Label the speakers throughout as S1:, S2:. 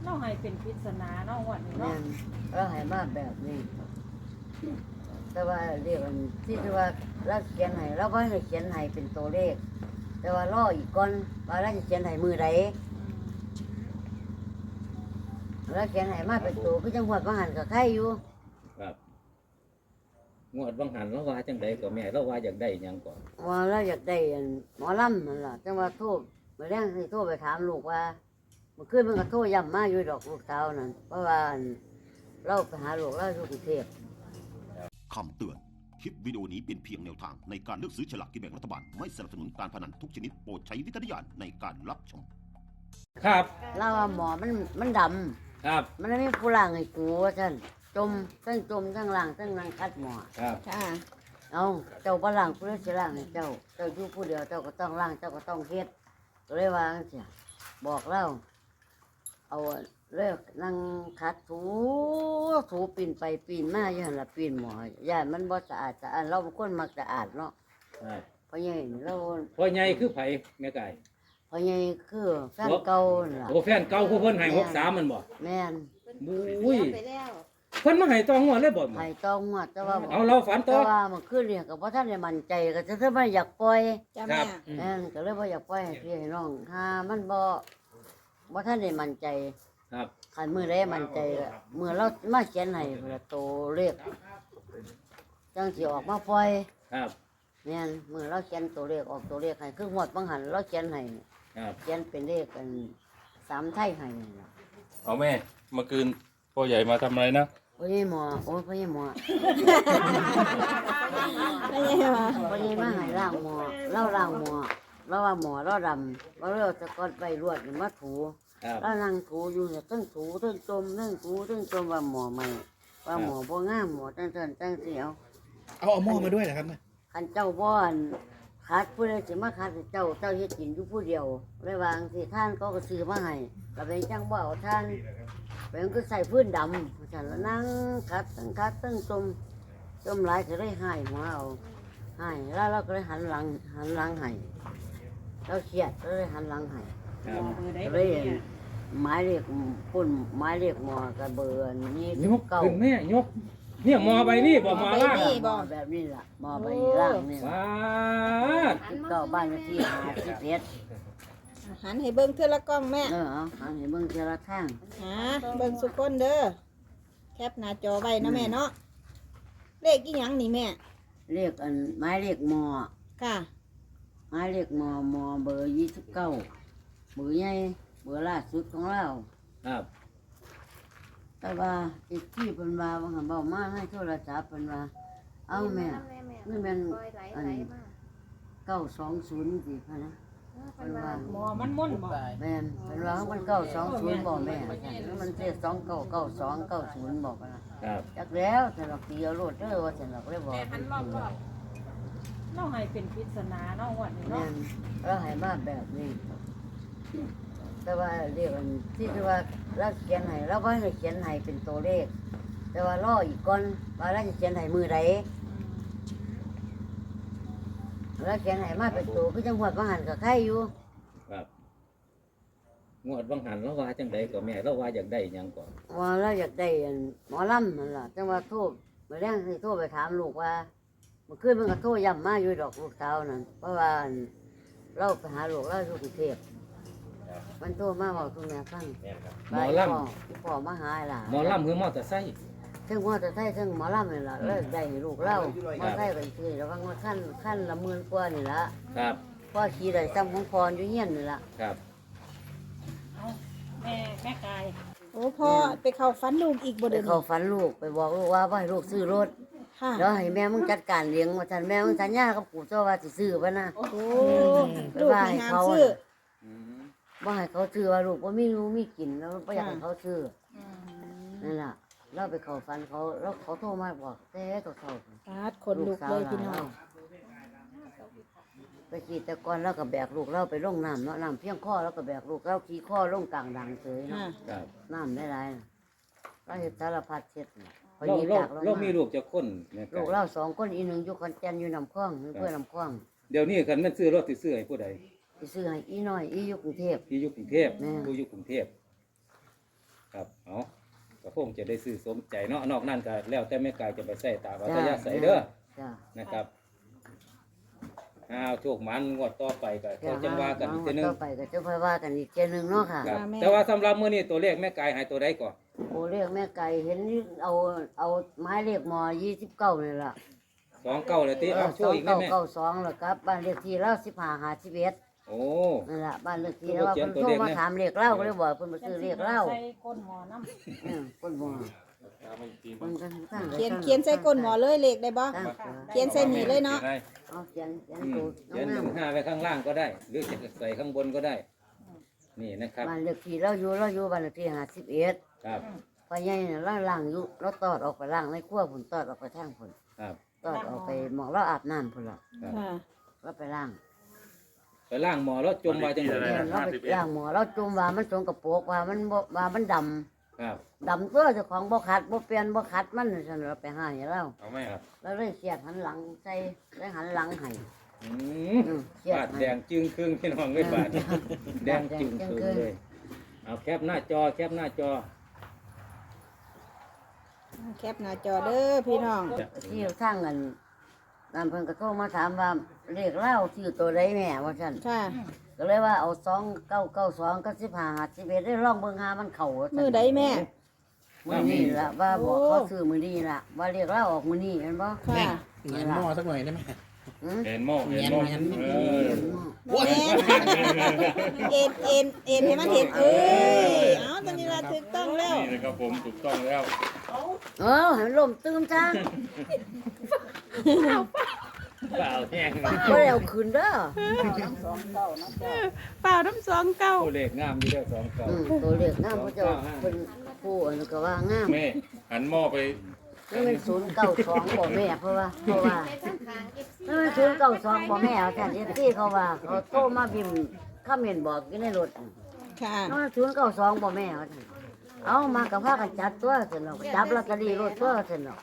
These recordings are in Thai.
S1: เราให้เป็นปริศนาเนาะวันนี้
S2: แม่
S1: เนาะ
S2: นเราให้มาแบบนี้ แต่ว่าเรียกอันที่คือว่าเราเขียนให้เราบ่ให้เขียนให้เป็นตัวเลข แต่ว่ารออีกก่อนว่าเราจะเขียนให้มือใดเราเขียนให้มาเป็นตัวคือจังหวัดว่าหันกับใครอยู่
S3: ครับงวดบางหันเราว่าจังใดก็แม่เราว่าอยากได้หยังก่อน
S2: ว่าเราอยากได้อันหมอลำนั่นล่ะจังว่าโทรมาแรงให้โทรไปถามลูกว่าเมื่อคืนมันก็โทรย้ำมาอยู่ดอกลูกสาวนั่นเพราะว่าอันเราไปหาลูกเราอยู่กรุงเทพ
S4: คำเตือน คลิปวิดีโอนี้เป็นเพียงแนวทางในการเลือกซื้อฉลากกินแบ่งรัฐบาล ไม่สนับสนุนการพนันทุกชนิดโปรดใช้วิจารณญาณในการรับชม
S3: ครับ
S2: เราว่าหมอมันดำ
S3: ครับ
S2: มันไม่มีผู้ล่างให้กูว่าท่านจมทั้งล่างทั้งนางคัดหมอ
S3: ครับ
S5: ค่ะ
S2: เอาเจ้าบ่ล่างผู้เดียวสิล่างให้เจ้าอยู่ผู้เดียวเจ้าก็ต้องล่างเจ้าก็ต้องเฮ็ดก็เลยว่าจังซี่บอกเล่าเอาเลิกนั่งคัดถูปีนไปปีนมาอยู่หั่นล่ะปีนหมอย่านมันบ่สะอาดเราเป็นคนมักสะอาดเนาะ
S3: ครับ
S2: เพราะใหญ่เรา
S3: พ่อใหญ่คือไผแม่ไก่
S2: เพราะใหญ่คือแฟนเก่านั่นล่ะ
S3: โอ้แฟนเก่าผู้เพิ่นให้63มันบ่
S2: แม่น
S3: บุ้ย
S5: ไปแล้ว
S3: เพิ่นมาให้ตองหัวเลยบ่
S2: ไผต้องหวดแต่ว่า
S3: เอาเราฝันต่
S2: แต่
S3: อ
S2: ว่ามันคือเรียกกับว่าท่านได้มั่นใจก็จะไม่อยากปล่อย
S5: จ้า
S3: ครั
S5: แม่
S3: บ
S2: แม่นก็เลยบ่อยากปล่อยให้พี่ให้น้องถ้ามันบ่ท่านได้มั่นใจ
S3: ครับ
S2: คันมือได้มั่นใจก็มือเรามาเขียนให้เพื่อโตเลขจังสิออกมาปล่อย
S3: ครับ
S2: แม่นมือเราเขียนตัวเลขออกตัวเลขให้คือหมดบางหันเราเขียนให้
S3: ครับ
S2: เขียนเป็นเลขกัน3ไทยให้นั่นล่ะ
S6: เอาแม่เมื่อคืนพ่อใหญ่มาทำอะไรนะ
S2: พ่อใหญ่หมอโอ้ยพ่อใหญ่หมอ
S5: ไม่ใช่ว่า
S2: พ่อใหญ่มาให้ล้างหมอเราล้างหมอเราว่าหมอเราดำเราจะกดไปรวดนี่มาถู
S3: ครับ
S2: แล้วนั่งถูอยู่เนี่ยตั้งถูตั้งจมตั้งถูตั้งจมว่าหมอใหม่ว่าหมอบ่งามหมอตั้งเสียว
S7: เอาหม้อมาด้วยเหรอครับเนี่ย
S2: คันเจ้าบ่อนขาดผู้ใดสิมาขาดให้เจ้าเฮ็ดกินอยู่ผู้เดียวเลยวางสิท่านก็ซื้อมาให้ก็เป็นจังบ่เอาท่านเป็นก็ใส่พื้นดำฉันแล้วนั่งคัดตั้งจมหลายก็เลยหายหัวเอาหายแล้วเราก็เลยหันหลังให้เราเครียดก็เลยหันหลังให้
S3: ครับ
S1: เบอร์ใด
S2: ก็
S1: เบ
S2: เล
S1: อย ร์เนี่ย
S2: หมายเรียกปุ่นหมายเรียกหมอกับเบอร์นี้
S3: ยกขึ้นแม่ยกเนี่ยหมอใบนี้บ่หมอล่าง
S2: หมอแบบนี้ล่ะหมอใบล่างนี่
S3: ว้าด
S2: 19บ้านเลขที่51
S5: หันให้เบิ่งเทื่อละกล้องแม่
S2: เอาหันให้เบิ่งเจละทาง
S5: หาเบิ่งสุกคนเด้อแคปหน้าจอไว้นะแม่เนาะเลขกี่หยังนี่แม่
S2: เรียกอันหมายเรียกหมอ
S5: ค่ะ
S2: หมายเรียกหมอเบอร์29เบอร์ใหญ่เบอร์ล่าสุดของเรา
S3: ครับ
S2: แต่ว่าอีกที่เพิ่นว่าว่าหันเว้ามาให้โทรศัพท์เพิ่นว่าเอาแม่นี่แม่นอัน920สิพะนะเพิ่นว่า
S1: หมอมันม่นบ่
S2: แม่นเป็นว่ามัน920บ่แม่แล้วมันเสีย299290บอกว่า
S3: ครับ
S2: จักแล้วสำหรับตีเอาโลดเด้อว่าสำหรับเลยบอก
S1: เราให้เป็นปริศนาเนาะวันนี้
S2: แม่
S1: เนาะ
S2: นเราให้มาแบบนี้ แต่ว่าเรียกอันที่คือว่าเราเขียนให้เราบ่ให้เขียนให้เป็นตัวเลข แต่ว่ารออีกก่อนว่าเราจะเขียนให้มือใดเราเขียนให้มาเป็นตัวคือจังหวัดว่าหันกับใครอยู่
S3: ครับงวดบางหันเราว่าจังใดก็แม่เราว่าอยากได้หยังก่อน
S2: ว่าเราอยากได้อันหมอลำนั่นล่ะจังว่าโทรมาแรงให้โทรไปถามลูกว่าเมื่อคืนมันก็โทรย้ำมาอยู่ดอกลูกสาวนั่นเพราะว่าอันเราไปหาลูกเราอยู่กรุงเทพมันโทรมาบอกทุกแม่ฟัง
S3: หมอลำ
S2: พ่อมาหาหลาน
S3: หมอลำคือมอเตอร์ไซค์
S2: ซึ่งว่าจะใช้ซึ่งหมอลำนี่ล่ะเลยได้ให้ลูกเล่ามาใช้กันคือระวังว่าขั้นละหมื่นกว่านี่ละ
S3: ครับ
S2: พ่อขี่ได้ซ้ำของพรอยู่เฮียนนี่ละ
S3: ครับ
S1: เอาแม่กาย
S5: โอ้พ่อไปเข้าฝันลูกอีกบ่
S2: ไป
S5: เด้อ
S2: เข้าฝันลูกไปบอกลูกว่าให้ลูกซื้อรถ
S5: ค่ะ
S2: แล้วให้แม่มึงจัดการเลี้ยงว่าท่านแม่มึงสัญญากับปู่เจ้าว่าสิซื้อปะนะ
S5: โอ้ลูกมีงามซื้อ
S2: ว่าให้เขาซื้อว่าลูกว่ามีรู้มีกินแล้วไม่อยากให้เขาซื้อนั่นล่ะเราไปเข้าฝันเขาแล้วเขาโทรมาบอกแต่ตัวเขา
S5: ปาดคนลุกเลยพี่น้อง
S2: ไปขี่แต่ก่อนแล้วก็แบกลูกเราไปลงน้ำเนาะน้ำเพียงข้อแล้วก็แบกลูกเราขี่ข้อลงกลางดังเฉยเนาะ
S5: ค่ะ
S3: ครับ
S2: น้ำได้หลายน่ะเราเห็นสารพัดเช็ดน่ะพอ
S3: เรา
S2: หนี
S3: เรา
S2: จากเรา
S3: เรามี
S2: มา
S3: ลูกจะคนแม่ไก่
S2: ลูกเรา2 คนอีหนึ่งอยู่ขอนแก่นอยู่น้ำคลองอยู่เพื่อน้ำคลอง
S3: เดี๋ยวนี้คันแม่นซื้อรถสิซื้อให้ผู้ใด
S2: ไปซื้อให้อีน้อยอีอยู่กรุงเทพ
S3: ที่อยู่กรุงเทพ
S2: แม่
S3: ผู้อยู่กรุงเทพงจะได้ซื้อสมใจเนาะนอกนั้นก็แล้วแต่แม่กายจะไปใส่ตามอัธยาศัยเด้อ
S2: จ้ะ
S3: นะครับโชคมันงวดต่อไปก็เขาจะว่ากันอีกทีนึง
S2: ต่อไปก็จะค่อยว่ากันอีกเทีนึงเนาะค่ะ
S3: ครับแต่ว่าสำหรับมื้อนี้ตัวเลขแม่กายให้ตัวใดก่อน
S2: โอ้เรียกแม่ไก่เห็นเอาไม้เรียกหมอ29นี่ล่ะ
S3: 29เลยติเอาโชว์อีกได้ไหม
S2: 2992แล้วครับบ้านเลขที่เรา1551
S3: โอ้
S2: นั่นล่ะบ้านเลขที่แล้วว่าเพิ่นโทรมาถามเลขเล่าก็เลยบอกเพิ่นมาซื้อเลขเล่า
S1: ใส่ก้นหมอน้ำ
S2: ก้นหมอเพิ่นก็ตั้ง
S5: เขียนใส่ก้นหมอเลยเลขได้บ่
S2: ตั้ง
S5: เขียนใส่นี่เลยเนาะ
S2: เอาเขียน
S3: อืม
S2: ตัว
S3: เขียน
S2: งาม
S3: 15ไว้ข้างล่างก็ได้ หรือจะใส่ข้างบนก็ได้ นี่นะครับ
S2: บ้านเลขที่เราอยู่บ้านเลขที่51
S3: ครับ
S2: พ่อใหญ่น่ะเราล้างอยู่เราตอดออกไปล้างในครัวพุ่นตอดออกไปทางพุ่น
S3: ครับ
S2: ตอดออกไปหมองเราอาบน้ำพุ่นล่ะ
S5: ค่ะ
S2: เราไปล้าง
S3: ไปล่างหมอแล้วจมว่าจังได๋
S2: แม่นเราไปล้างหมอเราจุ่มว่ามันสงกระโปรกว่ามันบ่ว่ามันดำ
S3: ครับ
S2: ดำตัวเจ้าของบ่ขัดบ่เปลี่ยนบ่ขัดมันซั่นเราไปหาให้เรา
S6: เอาแม่
S3: ครับ
S2: แล้วเลยเสียดหันหลังใส่ได้หันหลังให้
S3: อืม
S2: เสียด
S3: บาด
S2: ให้
S3: แดงจึงครึ่งพี่น้องเลยบาดแดงจึงครึ่งเลย เอาแคปหน้าจอแคปหน้าจอ
S5: แคปหน้าจอเด้อพี่น้อง
S2: ที่ทางกันนั่นเพิ่นก็โทรมาถามว่าเลขเล่าชื่อตัวใดแม่ว่าซั่น
S5: ค่ะ
S2: ก็เลยว่าเอา2992กับ1551ได้ลองเบิ่งหามันเข้าว่าซั่น
S5: มือใดแม่
S2: มื้อนี้ล่ะว่าบอกเขาซื้อมื้อนี้ล่ะว่าเลขเล่าออกมื้อนี้เห็นบ่
S5: ค่ะ
S7: เห็นหม้อสักหน่อยได้ไหม
S2: หือ
S6: เห็นหม้อเห็นหม้อเออ
S5: แม่เอ็นให้มันเห็นเอ้ยเอาตอนนี้ละถูกต้องแล้ว
S6: นี่นะครับผมถูกต้องแล้ว
S2: ให้มันล่มตื้มซะ
S3: เปล่าแห้ง
S2: บ่ได้เอาคืนเด้อ
S5: เปล่าน้ำสองเก้า
S3: ตัวเลขงามอยู่เด้อสองเก่า
S2: ตัวเลขงามพระเจ้าเป็นผู้อันนนก็ว่างาม
S6: แม่หันหม้อไป
S2: นี่มัน092บ่แม่เพราะว่านี่มัน092บ่แม่เอาแต่ที่เขาว่าเขาโทรมาพิมพ์คอมเมนต์บอกอยู่ในรถ
S5: ค่ะ
S2: นี่มัน092บ่แม่เอามากับพากันจัดตัวซั่นเนาะจับลอตเตอรี่รถตัวซั่นเนาะ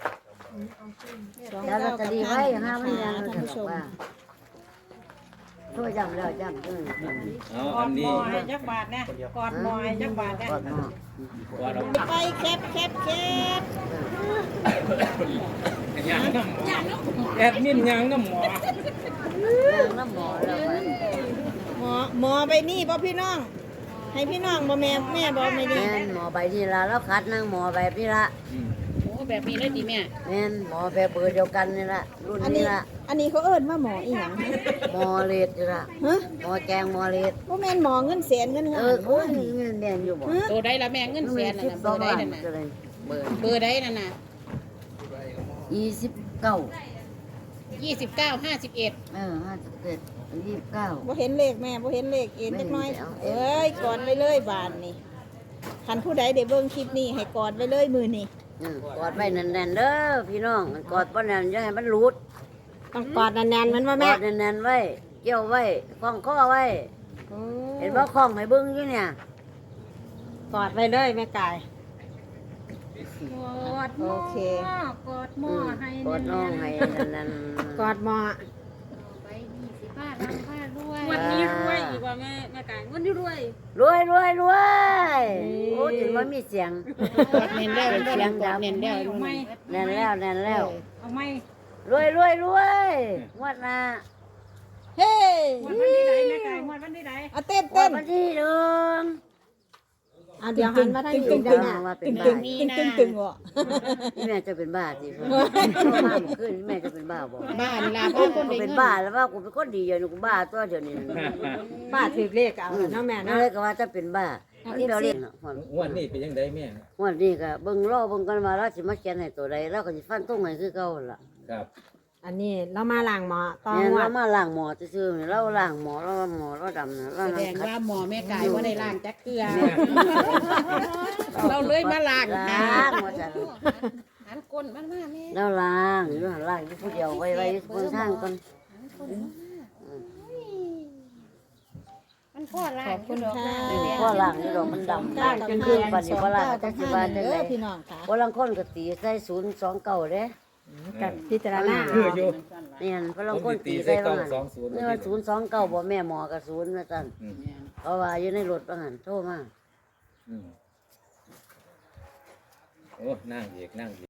S2: จับลอตเตอรี่ไว้ห้ามันยังซั่นว่าโทรย้ำแล้วย้ำ
S3: เอา
S1: กอ
S3: อั
S1: ด
S3: น
S1: หม
S3: นี้
S1: อให้จักบาทนะกอดหมอให้จักบาทนะ
S2: ก่อนเนาะ
S3: ว่าเรา
S5: ไปแคป
S3: ยังน้ำแอดมินยังน้ำหมอ
S2: ยังน้ำหมอแล้วมัน
S5: หมอไปนี่บ่พี่น้อง ให้พี่น้องบ่แม่บ่ไม่ดี
S2: แม่นหมอใบนี่ละแล้วคัดนั่งหมอแบบนี้ละ
S8: โอ้แบบนี้เลยดีแม่
S2: แม่นหมอแบบเบอร์เดียวกันนี่ละรุ่น
S5: อัน
S2: นี้
S5: นี้
S2: ละ
S5: อันนี้เขาเอิ้นว่าหมออีหยัง
S2: หมอเลดนี่ละ
S5: ฮะ
S2: หมอแกงหมอเลด
S5: บ่แม่นหมอเงินแสนเงิน
S2: เอ
S5: ล้า
S2: อน โอ้ยเงินแดงอยู่บ่
S8: ตัวใดละแม่เงินแสนนั่นน่ะเบอร์ใดนั่นน่ะ
S2: ก็เลยเบอร์
S8: เบอร์ใดนั่นน่ะ
S2: 29
S8: 29 51
S2: 57 29
S5: บ่เห็นเลขแม่บ่เห็นเลขเอ็นจักหน่อย เอ้ยกอดไว้เลยบานนี่คันผู้ใดได้เบิ่งคลิปนี้ให้กอดไว้เลยมือนี่
S2: กอดไว้แน่นๆเด้อพี่น้องกอดบ่แน่นอย่าให้มันหลุด
S5: ต้องกอดแน่นๆมันว่าก แม่
S2: อดแน่นๆไว้เกี่ยวไว้คล้องคอไว้ เห็นบ่คล้องให้เบิ่งอยู่เนี่ย
S5: กอดไว้เลยแม่กาย
S1: กอดหม
S5: โอ
S1: อ
S5: เค
S1: กอดหมอให้
S2: กอดน้องให้นั่น
S5: กอดหมอ
S8: ไป20บาททำค่าด้วย
S2: วันนี้รวยอีกว่า
S8: แม่กายวันนี้รวย
S2: รวยโอ้ถึงว่ามีเสียง
S8: กดเน้นแล้ว
S2: เสียงดัง
S8: เน้นแล้ว
S1: เอาไหม
S2: แน่นแล้ว
S1: เอาไหม
S2: รวยงวดหน้า
S5: เฮ้
S1: วันที่ไหนแม่ไก่วันที่ไหน
S5: เอาเต้น
S2: งว
S5: เต้
S2: ด
S5: น
S2: วันที่หนึ่ง
S5: อ่ะเดี๋ยวหันมาทางนี้
S2: ตึ
S5: เดี๋ยว
S2: ง
S5: นะ
S2: ว่าเป็น
S5: ตึง
S2: บ้า
S5: ตึงบ่
S2: นี่แม่จะเป็นบ้าสิพ่อมาเมื่อคืนแม่จะเป็นบ้าบ่
S8: บ้านลาบ้านคน
S2: กู
S8: ได้
S2: เป็น
S8: เงิน
S2: บ้าแล้วว่ากูเป็นคนดีอยู่นี่กูบ้าตัวเดียวนี้
S5: ป้าถือเลขเอาเนาะแม่
S2: นั่น
S5: เนาะ
S2: เลยก็ว่าจะเป็นบ้าเดี๋ยวเรียก
S3: งวดนี้เป็นยังไงแม่
S2: งวดนี้ก็เบิ่งรอเบิ่งกันว่าเราสิมาเขียนให้ตัวใดเราก็สิฟันตรงให้คือเก่าล่ะ
S3: ครับ
S5: อันนี้เรามาล้างหมอต่อ
S2: เนี่ย
S5: งว
S2: เรา
S5: ด
S2: มาล้างหมอซื่อๆนี่เราล้างหมอเราหมอเราดำนะเรา
S8: แสด
S2: นั่ง
S8: ง
S2: คัด
S8: ว่าหมอแม่กายว่าได้ล้างจักเกลือ เราเลยมาล้าง
S2: ล้างว่าซั่น
S8: หันก้นมันมาแม่
S2: เราล้างอยู่หั่นล้างอยู่ผู้เดียวไว้อยู่บนทางก่อน
S8: มันพ่อล้าง
S5: ขอบคุณค่ะ
S2: พอล้างอยู่ดอกมันดำล้างจนคืนบัดนี้บ่ล้างจักสิว่าจังได๋
S5: พี่น้องค่ะ
S2: บ่ลังคนก็ตีใส่029เด้
S5: กับพิจารณา
S3: คืออยู่
S2: เนี่ยบ่ลัง
S3: ผม
S2: คน
S3: สิ
S2: ตี
S3: ตี
S2: ใส่
S3: ใส่
S2: ว่า
S3: เก้า
S2: หั่น
S3: สองศูนย์
S2: นี่ว่า029บ่แม่หมอก็0ว่าซั่น
S3: อืม
S2: เพราะว่าอยู่ในรถว่าหั่นโทรมา
S3: อืมโอ้นั่งเอก